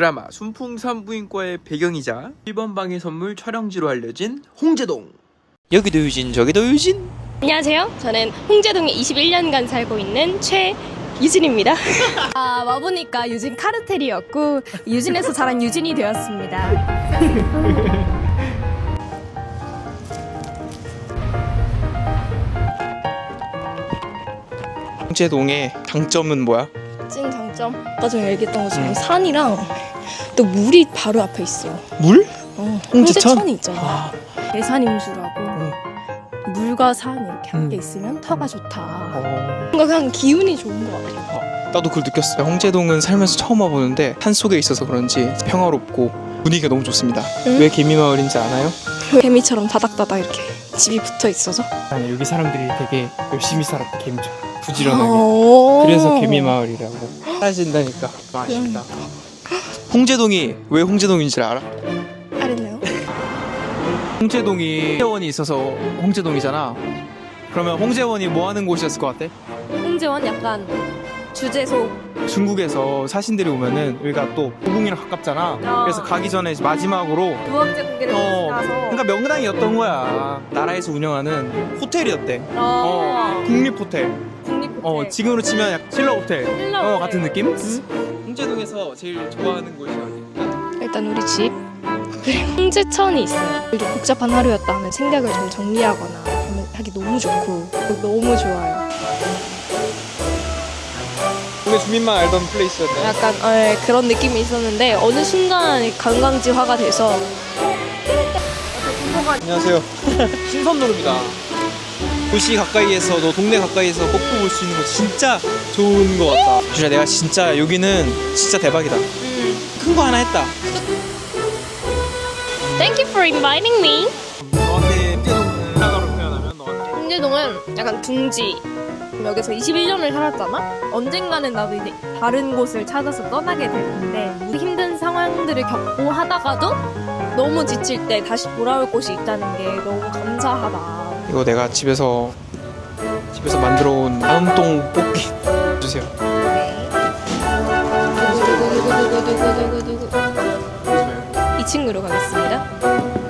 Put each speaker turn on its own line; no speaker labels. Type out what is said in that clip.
드라마 순풍산부인과의 배경이자 1번 방의 선물 촬영지로 알려진 홍제동. 여기도 유진 저기도 유진.
안녕하세요. 저는 홍제동에 21년간 살고 있는 최유진입니다.
와보니까 유진 카르텔이었고 유진에서 자란 유진이 되었습니다.
홍제동의 장점은 뭐야?
찐 장점? 아까 전에 얘기했던 것처럼 산이랑 또 물이 바로 앞에 있어.
물? 홍제천?
홍제천이 있잖아. 대산임수라고 물과 산 이렇게 함께 있으면 터가 좋다. 뭔가 그냥 기운이 좋은 것 같아요.
나도 그걸 느꼈어요. 홍제동은 살면서 처음 와보는데 산 속에 있어서 그런지 평화롭고 분위기가 너무 좋습니다. 왜 개미마을인지 아나요?
개미처럼 다닥다닥 이렇게 집이 붙어 있어서.
아니, 여기 사람들이 되게 열심히 살았다. 개미처럼 부지런하게.
오.
그래서 개미마을이라고 사라진다니까. 아쉽다. 홍제동이 왜 홍제동인지 알아?
알았나요?
홍제동이 홍제원이 있어서 홍제동이잖아. 그러면 홍제원이 뭐 하는 곳이었을 것 같아?
홍제원 약간 주제소.
중국에서 사신들이 오면은 여기가 또 고궁이랑 가깝잖아. 그래서 가기 전에 마지막으로
무학제 공개를 가서.
그러니까 명당이었던 거야. 나라에서 운영하는 호텔이었대. 국립호텔.
국립호텔.
지금으로 치면 약간 신라호텔.
신라호텔.
같은 느낌? 홍제동에서 제일 좋아하는 곳이 어디야?
일단 우리 집 그리고 홍제천이 있어요. 좀 복잡한 하루였다 하면 생각을 좀 정리하거나 하면 하기 너무 좋고 너무 좋아요.
동네 주민만 알던 플레이스였네.
약간 그런 느낌이 있었는데 어느 순간 관광지화가 돼서.
안녕하세요. 신선노루입니다. 도시 가까이에서 동네 가까이에서 뽀뽀 볼 수 있는 거 진짜 좋은 거 같다. 주야 내가 진짜 여기는 진짜 대박이다. 큰 거 하나 했다.
Thank you for inviting me.
너한테 홍제동을 사과로 표현하면 너한테
홍제동은 약간 둥지. 여기서 21년을 살았잖아? 언젠가는 나도 이제 다른 곳을 찾아서 떠나게 될 텐데 힘든 상황들을 겪고 하다가도 너무 지칠 때 다시 돌아올 곳이 있다는 게 너무 감사하다.
이거 내가 집에서 만들어 온 다음동 뽑기 주세요.
이 친구로 가겠습니다.